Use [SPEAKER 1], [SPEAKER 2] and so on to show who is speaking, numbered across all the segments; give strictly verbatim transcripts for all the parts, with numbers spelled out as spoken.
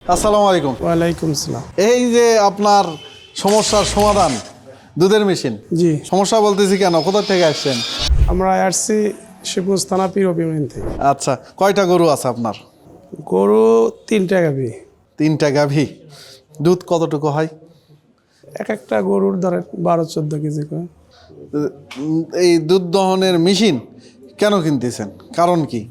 [SPEAKER 1] আসসালামু আলাইকুম।
[SPEAKER 2] ওয়ালাইকুম আসসালাম।
[SPEAKER 1] এই যে আপনার সমস্যার সমাধান দুধের মেশিন।
[SPEAKER 2] জি,
[SPEAKER 1] সমস্যা বলতেছি কেন, কোথা থেকে আসছেন?
[SPEAKER 2] আমরা আসছি শিবগঞ্জ থানা পীরব ইউনিয়ন থেকে।
[SPEAKER 1] আচ্ছা, কয়টা গরু আছে আপনার?
[SPEAKER 2] গরু তিনটা গাভি।
[SPEAKER 1] তিনটা গাভী। দুধ কতটুকু হয়?
[SPEAKER 2] এক একটা গরুর ধরেন বারো চোদ্দ কেজি করে।
[SPEAKER 1] উম, এই দুধ দহনের মেশিন কেন কিনতেছেন, কারণ কি?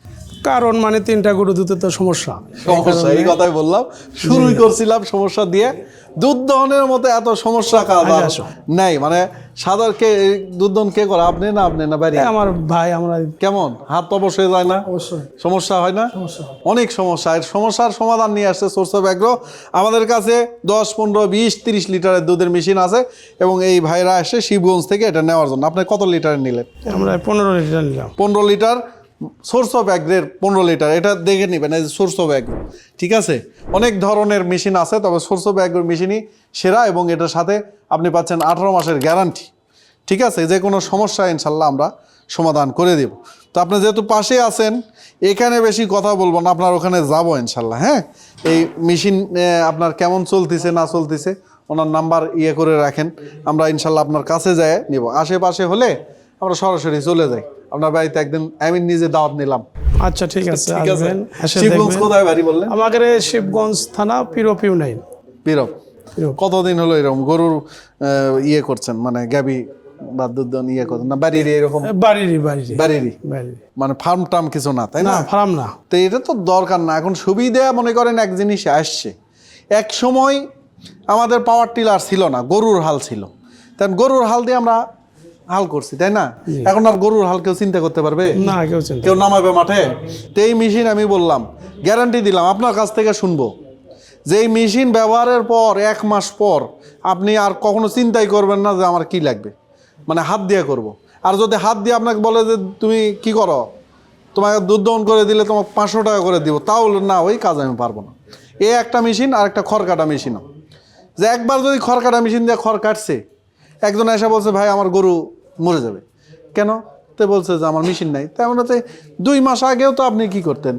[SPEAKER 2] কারণ মানে তিনটা গরু দুধে তো সমস্যা।
[SPEAKER 1] সমস্যা, এই কথাই বললাম, শুরুই করছিলাম সমস্যা দিয়ে। দুধ দহনের মতো এত সমস্যা কাজ আর নাই। মানে সাধারণ কে দুধ দহন কে করে, আপনি না আপনি না বাড়ি?
[SPEAKER 2] এই আমার ভাই, আমরা
[SPEAKER 1] কেমন হাত অবশ্যই যায় না?
[SPEAKER 2] অবশ্যই
[SPEAKER 1] সমস্যা হয় না?
[SPEAKER 2] সমস্যা।
[SPEAKER 1] অনেক সমস্যা। এর সমস্যার সমাধান নিয়ে আসছে সোর্স অফ অ্যাগ্রো। আমাদের কাছে দশ পনেরো বিশ তিরিশ লিটারের দুধের মেশিন আছে এবং এই ভাইরা আসে শিবগঞ্জ থেকে এটা নেওয়ার জন্য। আপনি কত লিটারের নিলেন?
[SPEAKER 2] আমরা পনেরো লিটার নিলাম।
[SPEAKER 1] পনেরো লিটার সোর্স অফ অ্যাগ্রের পনেরো লিটার, এটা দেখে নেবেন। এই সোর্স অফ অ্যাগ্রো, ঠিক আছে? অনেক ধরনের মেশিন আছে, তবে সোর্স অফ অ্যাগ্রোর মেশিনই সেরা এবং এটার সাথে আপনি পাচ্ছেন আঠারো মাসের গ্যারান্টি। ঠিক আছে, যে কোনো সমস্যা ইনশাল্লাহ আমরা সমাধান করে দেব। তো আপনি যেহেতু পাশে আছেন, এখানে বেশি কথা বলবো না, আপনার ওখানে যাবো ইনশাল্লাহ। হ্যাঁ, এই মেশিন আপনার কেমন চলতেছে না চলতেছে ওনার নাম্বার ইয়ে করে রাখেন, আমরা ইনশাল্লাহ আপনার কাছে যাই নিব। আশেপাশে হলে আমরা সরাসরি চলে যাই আপনার বাড়িতে। একদিন আমি নিজে দাওয়াত নিলাম।
[SPEAKER 2] আচ্ছা, ঠিক আছে,
[SPEAKER 1] ঠিক আছে।
[SPEAKER 2] আসবেন, এসে
[SPEAKER 1] শিবগঞ্জ
[SPEAKER 2] দেখবেন।
[SPEAKER 1] কোথায় বাড়ি বললেন?
[SPEAKER 2] আমাদের শিবগঞ্জ থানা পীরব ইউনিয়ন।
[SPEAKER 1] পীরব।
[SPEAKER 2] পীরব।
[SPEAKER 1] কতদিন হলো এরকম গরুর আহ, ইয়ে করছেন, মানে গাবি বা দুধ দহন ইয়ে করছেন না বাড়ির এরকম?
[SPEAKER 2] বাড়িরই বাড়িরই
[SPEAKER 1] বাড়িরই,
[SPEAKER 2] বাড়িরই।
[SPEAKER 1] মানে ফার্ম টার্ম কিছু না, তাই
[SPEAKER 2] না,
[SPEAKER 1] না?
[SPEAKER 2] ফার্ম না।
[SPEAKER 1] তো এটা তো দরকার না এখন। সুবিধা মনে করেন এক জিনিস আসছে, এক সময় আমাদের পাওয়ার টিলার ছিল না, গরুর হাল ছিল। তাই গরুর হাল দিয়ে আমরা হাল করছি, তাই না? এখন আর গরুর হাল কেউ চিন্তা করতে পারবে
[SPEAKER 2] না, কেউ চিন্তা।
[SPEAKER 1] কেউ নামাবে মাঠে? তো এই মেশিন আমি বললাম, গ্যারান্টি দিলাম, আপনার কাছ থেকে শুনবো যে এই মেশিন ব্যবহারের পর এক মাস পর আপনি আর কখনো চিন্তাই করবেন না যে আমার কি লাগবে, মানে হাত দিয়ে করব। আর যদি হাত দিয়ে আপনাকে বলে যে তুমি কি করো, তোমাকে দুধ দহন করে দিলে তোমাকে পাঁচশো টাকা করে দিব, তাও না, ওই কাজ আমি পারবো না। এ একটা মেশিন আর একটা খড় কাটা মেশিনও, যে একবার যদি খড় কাটা মেশিন দিয়ে খড় কাটছে, একজন এসে বলছে ভাই আমার গরু মরে যাবে, কেন? তো বলছে যে আমার মেশিন নাই। তেমন হচ্ছে দুই মাস আগেও তো আপনি কি করতেন,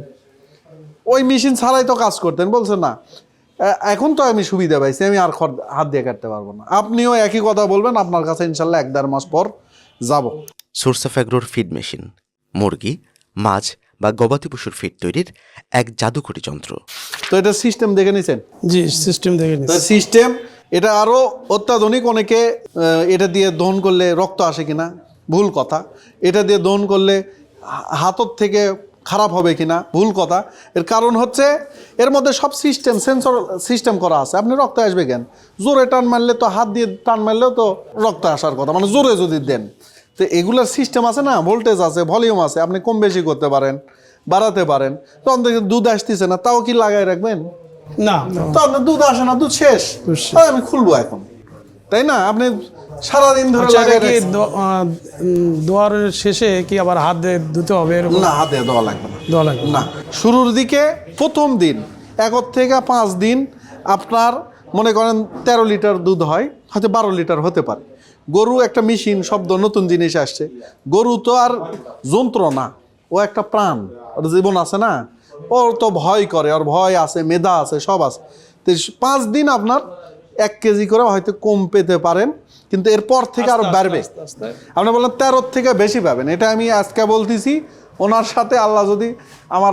[SPEAKER 1] ওই মেশিন ছাড়াই তো কাজ করতেন। বলছে না, এখন তো আমি সুবিধা পাইছি, আমি আর খড় হাত দিয়ে কাটতে পারবো না। আপনিও একই কথা বলবেন, আপনার কাছে ইনশাল্লাহ এক দেড় মাস পর যাব।
[SPEAKER 3] সোর্স অফ অ্যাগ্রোর ফিড মেশিন মুরগি, মাছ বা গবাদি পশুর ফিড তৈরির এক জাদুকরী যন্ত্র।
[SPEAKER 1] তো এটা সিস্টেম দেখে নিছেন?
[SPEAKER 2] জি, সিস্টেম দেখে নিচ্ছি।
[SPEAKER 1] সিস্টেম এটা আরও অত্যাধুনিক। অনেকে আহ, এটা দিয়ে দহন করলে রক্ত আসে কিনা, ভুল কথা। এটা দিয়ে দহন করলে হাতর থেকে খারাপ হবে কিনা, ভুল কথা। এর কারণ হচ্ছে এর মধ্যে সব সিস্টেম সেন্সর সিস্টেম করা আছে। আপনি রক্ত আসবে কেন? জোরে টান মারলে তো, হাত দিয়ে টান মারলেও তো রক্ত আসার কথা, মানে জোরে যদি দেন। তো এগুলোর সিস্টেম আছে না, ভোল্টেজ আছে, ভলিউম আছে, আপনি কম বেশি করতে পারেন, বাড়াতে পারেন। তখন দেখে দুধ আসতেছে না, তাও কি লাগাই রাখবেন?
[SPEAKER 2] না,
[SPEAKER 1] তো আপনার দুধ আসে না, দুধ শেষ, তাই আমি খুলবো এখন, তাই না? আপনি সারাদিন ধরে লাগাই
[SPEAKER 2] কি
[SPEAKER 1] রাখছেন।
[SPEAKER 2] দোয়ার শেষে কি আবার হাত দিয়ে ধুতে হবে এরকম?
[SPEAKER 1] না, হাতে দেওয়া লাগবে না।
[SPEAKER 2] দেওয়া লাগবে
[SPEAKER 1] না, শুরুর দিকে প্রথম দিন এক থেকে পাঁচ দিন আপনার মনে করেন তেরো লিটার দুধ হয়, হয়তো বারো লিটার হতে পারে। গরু একটা মেশিন, শব্দ নতুন জিনিস আসছে। গরু তো আর যন্ত্র না, ও একটা প্রাণ, ওর জীবন আছে না, ওর তো ভয় করে, ওর ভয় আছে, মেধা আছে, সব আছে। তো পাঁচ দিন আপনার এক কেজি করে হয়তো কম পেতে পারেন, কিন্তু এরপর থেকে আরো বাড়বে। আপনি বললেন তেরোর থেকে বেশি পাবেন, এটা আমি আজকে বলতেছি। ওনার সাথে আল্লাহ যদি আমার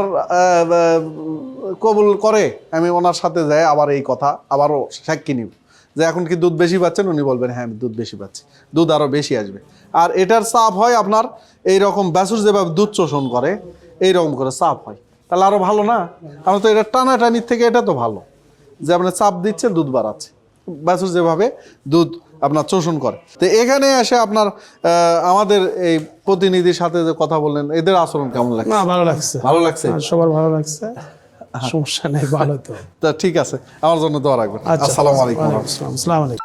[SPEAKER 1] কবুল করে, আমি ওনার সাথে যাই আবার এই কথা আবারও সাক্ষী নিব যে এখন কি দুধ বেশি পাচ্ছেন? উনি বলবেন হ্যাঁ আমি দুধ বেশি পাচ্ছি, দুধ আরও বেশি আসবে। আর এটার চাপ হয় আপনার এই রকম ব্যাসুর যেভাবে দুধ শোষণ করে এইরকম করে চাপ হয়, তাহলে আরও ভালো না? আমরা তো এটা টানাটানির থেকে এটা তো ভালো যে আপনার চাপ দিচ্ছে, দুধ বাড়াচ্ছে, ব্যাসুর যেভাবে দুধ আপনার শোষণ করে। তো এখানে এসে আপনার আমাদের এই প্রতিনিধির সাথে যে কথা বললেন, এদের আচরণ কেমন লাগছে?
[SPEAKER 2] না, ভালো লাগছে।
[SPEAKER 1] ভালো লাগছে?
[SPEAKER 2] সবার ভালো লাগছে, সমস্যা নেই, ভালো তো।
[SPEAKER 1] তা ঠিক আছে, আমার জন্য দোয়া রাখবেন।
[SPEAKER 2] আচ্ছা,
[SPEAKER 1] আসসালামু আলাইকুম।
[SPEAKER 2] আসসালামু আলাইকুম।